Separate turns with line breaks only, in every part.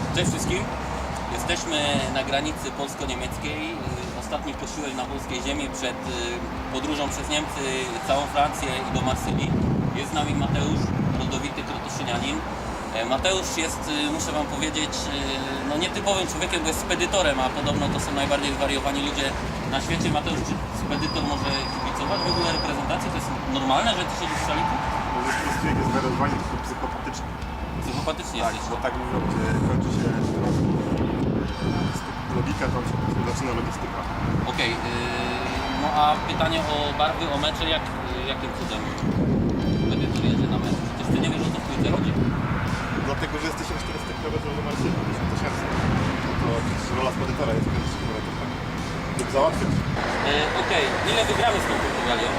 Cześć wszystkim. Jesteśmy na granicy polsko-niemieckiej. Ostatni posiłek na polskiej ziemi przed podróżą przez Niemcy, całą Francję i do Marsylii. Jest z nami Mateusz, rodowity krotoszynianin. Mateusz jest, muszę wam powiedzieć, no nietypowym człowiekiem, bo jest spedytorem, a podobno to są najbardziej zwariowani ludzie na świecie. Mateusz, czy spedytor może kibicować w ogóle reprezentacji? To jest normalne, że ty siedzisz w szaliku?
Może człowiek jest zwariowany, tylko psychopatyczny.
Psychopatycznie
Tak,
jesteś.
bo tak mówią, gdzie kończy się logika, tam się zaczyna logistyka.
Okej, no a pytanie o barwy, o mecze, jakim cudem spedytor jedzie na mecz? Przecież ty nie wiesz, o co w piłce chodzi.
Dlatego, że jesteśmy 400 km do Marsylii, 1000. To przecież rola spedytora jest 50 km. Żeby załatwiać.
Okej, ile wygramy z tą Portugalią?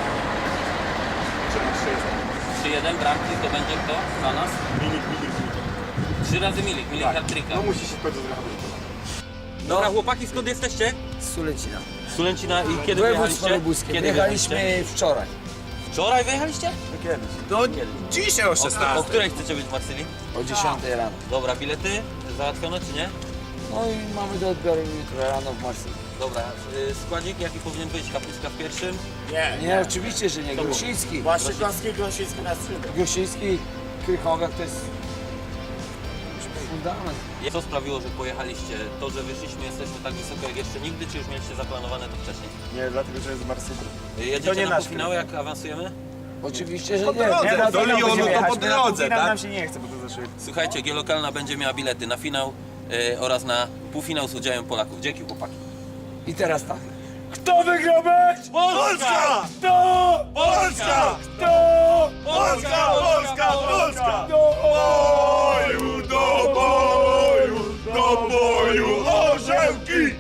3-1 bramki, to będzie kto dla nas?
Milik.
3 razy Milik
Tak.
hat-tricka.
No musi się w końcu zrehabilitować.
Dobra chłopaki, skąd jesteście?
Z Sulecina.
Z Sulęcina i kiedy
Województwo
wyjechaliście?
lubuskie.
Kiedy
Wyjechaliśmy wczoraj.
Wczoraj wyjechaliście?
No kiedyś.
No dzisiaj o 16.
O której chcecie być w Marsylii?
O 10 rano.
Dobra, bilety załatwione czy nie?
No i mamy do odbioru jutro rano w Marsylii.
Dobra, składzik jaki powinien być? Kapuska w pierwszym?
Nie, oczywiście, że nie. Grosiński.
Waszykowski, Grosiński na skrzydle.
Grosiński, Krychowiak to jest fundament.
Co sprawiło, że pojechaliście? To, że wyszliśmy, jesteśmy tak wysoko jak jeszcze nigdy, czy już mieliście zaplanowane to wcześniej?
Nie, dlatego, że jest z Marsylii.
Jedziecie
nie
na
nasz
półfinały, jak awansujemy?
Oczywiście, że
Po
nie.
drodze,
Teraz
do
nie
Lyonu
będziemy
to
jechać.
po drodze, tak?
Nam się nie chce, bo to za szybko.
Słuchajcie, G-Lokalna będzie miała bilety na finał oraz na półfinał z udziałem Polaków. Dzięki chłopaki.
I teraz tak.
Kto wygrał mecz?
Polska!
Kto? Polska! Kto? Polska! Polska! Polska! Do boju! Do boju! Do boju! Orzełki!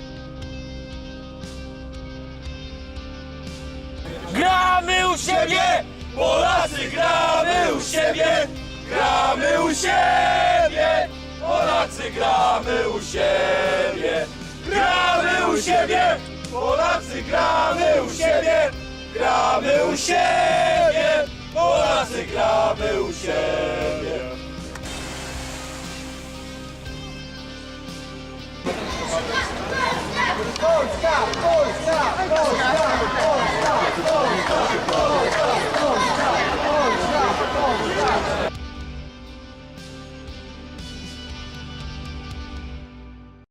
Gramy u siebie! Polacy gramy u siebie! Gramy u siebie! Polacy gramy u siebie! Gramy u siebie! Polacy gramy u siebie! Gramy u siebie! Polacy gramy u siebie! Polska!